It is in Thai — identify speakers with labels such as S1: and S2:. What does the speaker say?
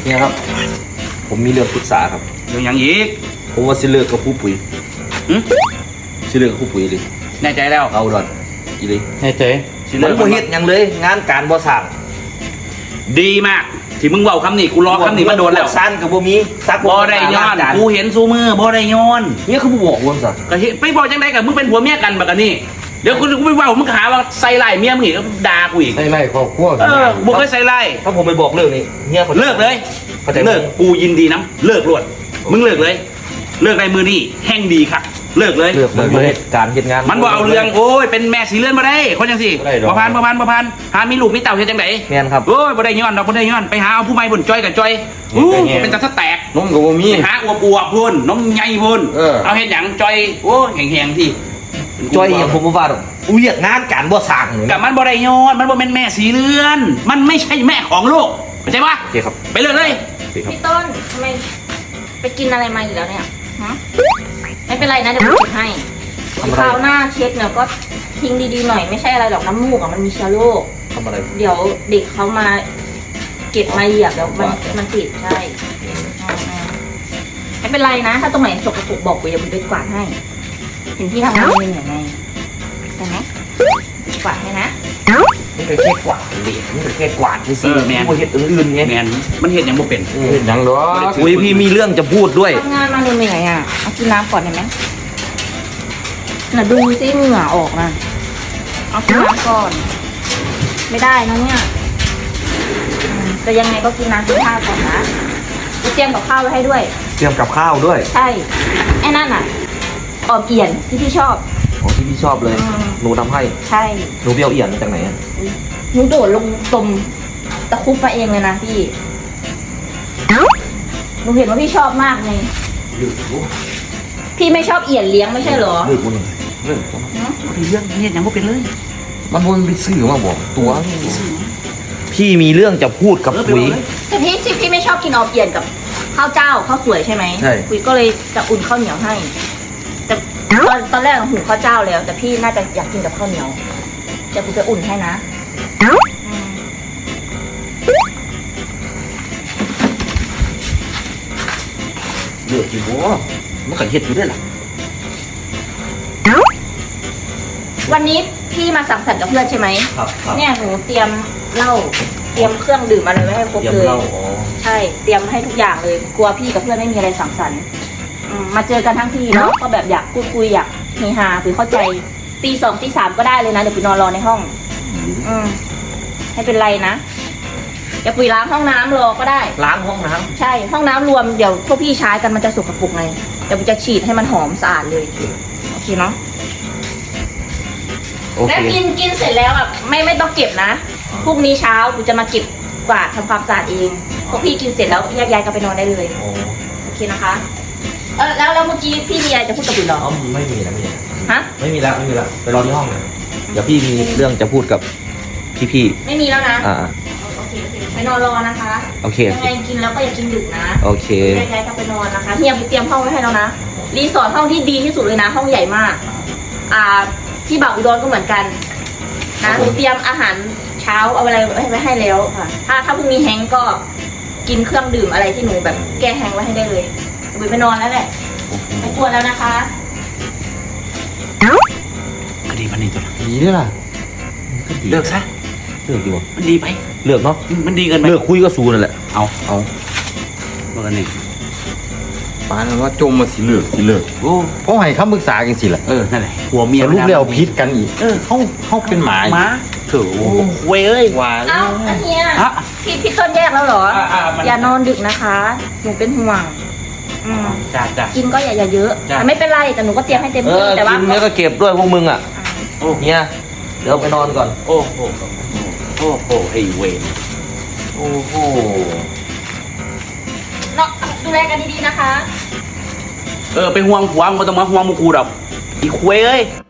S1: เนี่ยครับผมมีเรื่องปรึกษาครับ
S2: เรื่องอย่างอีก
S1: ผมว่าสิเลิกกับผู้ปุ๋ยสิเลิกกับผู้ปุ๋ยเลย
S2: แน่ใจแล้ว
S1: เอาดอนอีเลย
S2: แน่ใจสิ
S1: มั
S2: เลิ
S1: น
S2: ก
S1: บ่เฮ็ดหยังเลยงานการบ่สั่ง
S2: ดีมากที่มึงเว้าคำนี้กูรอคำนี้มาโดนแล้ว
S1: สั้นกับบ่มีซัก
S2: บ่ได้ย้อนกูเห็นซูมือบ่ได้ย้อน
S1: เนี่ยคือบ่บอกว่าซะ
S2: ก็เห็นไปบอกจังไดกับมึงเป็นผัวเมียกันบักอันนี้เดี๋ยวกูไปเว้ามึงหาว่าใส่ไล่เมียมึงอีกด่ากูอีก
S3: ใส่ไล่ครอบครัว
S2: บ่เคยใส่ไล่
S1: ถ้าผมไปบอกเรื่องนี้เฮียเขา
S2: เลิกเลย
S1: เข้าใจ
S2: เลิกกูยินดีน้ำเลิกรวดมึงเลิกเลย เลิกในมือนี่แห้งดีค่ะเลิกเลย
S1: เลิกมันบ่เฮ็ดการเฮ็ดงาน
S2: มันบ่เอาเรื่องโอ้ยเป็นแม่สีเลื่อนมาได้คนจังสิบ่พันหามีลูกมีเต่าเฮ็ดจังได
S1: แม่นครับ
S2: โอ้ยบ่ได้ย้อนดอกบ่ได้ย้อนไปหาเอาผู้ใหม่พุ่นจอยกับจอยอู้เป็นตาสแตก
S3: นมกับบ่มี
S2: ไปหาอวบพุ่นน้องใหญ่พุ่น เอาเฮ็ดหยังจอยโอ้แห้งๆที่
S1: จ้อยอย่างผมบ่ว่าดอกอุ้ยเฮ็ดงานการบ่สั่งนี่
S2: กับมันบ่ได้ย้อนมันบ่แม่นแม่สีเลื่อน มันไม่ใช่แม่ของลูกเข้าใจปะ
S1: โอเคครับ
S2: ไปเลิกเลย
S1: โอเคครับ
S4: พี่ต้นทำไมไปกินอะไรมาอีกแล้วเนี่ยฮะไม่เป็นไรนะเดี๋ยวผมเช็ดให้คราวหน้าเช็ดเนี่ยก็ทิ้งดีๆหน่อยไม่ใช่อะไรหรอกน้ำมูกอ่ะมันมีเชื้อโรค
S1: ทำอะไร
S4: เดี๋ยวเด็กเขามาเก็บมาเหยียบเดี๋ยวมันติดใช่ไม่เป็นไรนะถ้าตรงไหนสกปรกบอกกูอย่าไปกวาดให้ เห็นพี่ทำงานเป็นยังไงใช่ไหมกวาดให้นะ
S1: นี่เป็นแค่กวาดเด็กนี่เป็นแค่กวาดซื่อๆบ่เฮ็ดอื่นๆไง
S2: แม่นมันเฮ็ดหยังบ่เป็น
S3: เห็นหยังดอก
S1: อุ้ยพี่มีเรื่องจะพูดด้วย
S4: ทำงานมาเหนื่อยๆอ่ะเอากินน้ำก่อนได้ไหมน่ะดูซิเหงื่อออกนะเอากินน้ำก่อน ไม่ได้นะเนี่ยแต่ยังไงก็กินน้ำกินข้าวก่อนนะจะเตรียมกับข้าวไว้ให้ด้วย
S1: เตรียมกับข้าวด้วย
S4: ใช่ไอ้นั่นอ่ะออมเอี่ยนที่พี่ชอบ
S1: ของที่พี่ชอบเลย หนูทำให้
S4: ใช่
S1: หนูเบี้ยวเอี่ยนมาจากไหนอะ
S4: หนูโดดลงตมตะคุบมาเองเลยนะพี่หนูเห็นว่าพี่ชอบมากไง
S1: ลืม
S4: พี่ไม่ชอบเอี่ยนเลี้ยงไม่ใช่เหรอ
S1: ลืมกูนี่ลืม
S2: เรื่องเฮ็ดหยังบ่เป็นเลย
S3: มันวนไปซื้อมาบอกตัว
S1: พี่มีเรื่องจะพูดกับปุ๋ย
S4: แต่พี่ไม่ชอบกินออมเอี่ยนกับข้าวเจ้าข้าวสวยใช่ไหม
S1: ใช่
S4: คุยก็เลยจะอุ่นข้าวเหนียวให้ แต่ตอนแรกหุงข้าวเจ้าแล้ว แต่พี่น่าจะอยากกินกับข้าวเหนียวเดี๋ยวคุยจะอุ่นให้นะอืม
S1: เลือกอยู่บ่มันก็เฮ็ดอยู่ได้ล่ะ
S4: วันนี้พี่มาสังสรรค์กับเพื่อนใช่ไหม
S1: ครับครับ
S4: เนี่ยหนูเตรียมเหล้าเตรียมเครื่องดื่มอะไรไว้ให้ครบ
S1: เตรียม
S4: เลย
S1: เหล้าอ๋อ
S4: ใช่เตรียมให้ทุกอย่างเลย กลัวพี่กับเพื่อนไม่มีอะไรสังสรรค์มาเจอกันทั้งทีเนาะก็แบบอยากพูดคุยอยากเฮฮาคุยเข้าใจตี 2 ตี 3ก็ได้เลยนะเดี๋ยวไปนอนรอในห้อง ไม่เป็นไรนะเดี๋ยวปุ๋ยล้างห้องน้ำรอก็ได้
S1: ล้างห้องน้ำ
S4: ใช่ห้องน้ำรวมเดี๋ยวพวกพี่ใช้กันมันจะสกปรกไงเดี๋ยวปุ๋ยจะฉีดให้มันหอมสะอาดเลยโอเคเนาะ
S1: โอเค
S4: แล้วกินเสร็จแล้วแบบไม่ต้องเก็บนะพรุ่งนี้เช้าปุ๋ยจะมาเก็บกวาดทำความสะอาดเองพวกพี่กินเสร็จแล้วแยกย้ายกันไปนอนได้เลย
S1: อ๋อ
S4: โอเคนะคะแล้วเมื่อกี้พี่มีอะไรจะพูดกับปุ๋ยเหรอ
S1: อ๋อไม่มีแล้วไม่มี
S4: ฮะ
S1: ไม่มีแล้วไปรอที่ห้องเลยเดี๋ยวพี่มีเรื่องจะพูดกับพี่
S4: ไม่มีแล้วนะ
S1: ๆ
S4: โอเคไปนอนรอนะคะ
S1: โอเค
S4: ยังไงกินแล้วก็อย่ากินดึกนะ
S1: โอเค
S4: แยกย้ายกันไปนอนนะคะเฮียไปเตรียมห้องไว้ให้แล้วนะรีสอร์ทห้องที่ดีที่สุดเลยนะ ห้องใหญ่มาก ที่บ่าวอุดรก็เหมือนกันนะหนูเตรียมอาหารเช้าเอาอะไรไว้ให้แล้วค่ะ ถ้าพรุ่งนี้แฮงก์ก็กินเครื่องดื่มอะไรที่หนูแบบแก้แฮงก์ไว้ให้ได้เลยไปนอนแล้วแหละไม่กลัวแล้วนะคะ
S2: ก็ดีพันนี้ตัวละ
S3: ดีด้วยล่ะ
S2: เลิกซะ
S1: เลือกดีกว่า
S2: มันดีไป
S1: เลือกเนาะ
S2: มันดีเกินไป
S1: เลือกคุยก็สู้นั่นแหละ
S2: เอา
S1: เอา
S2: เบอร์หนึ่ง
S3: ปานนั้นว่าจมมาสิเลิก
S2: โอ้
S3: เพราะให้คำปรึกษากันสิล่ะ
S2: นั่นแหละหัวเมีย
S3: แต่ลูกเลี้ยวพิษกันอีกเขาเป็นหมา
S2: หมาเถอะเว้ยเอ้ย
S3: ว่า
S4: เอ้าอันเฮีย
S2: ฮะ
S4: พี่ต้นแยกแล้วเหรอ
S2: มัน
S4: อย่านอนดึกนะคะหนูเป็นห่วง
S2: จ้า
S4: กินก็อย่าเยอะ
S2: จ้ะ
S4: แต่ไม่เป็นไรแต่หนูก็เตรียมให้เต็มที่แต่ว่า
S1: กินแล้วก็เก็บด้วยพวกมึงอ่ะ
S2: โอ้
S1: เนี่ยเดี๋ยวไปนอนก่อน
S2: โอ้โหโอ้โหไอ้เวร
S1: โอ้โห
S4: เนาะดูแลกันดีๆนะคะ
S2: ไปห่วงผัวมึงต้องมาห่วงมึงกูดอกอีกเว้ยเอ้ย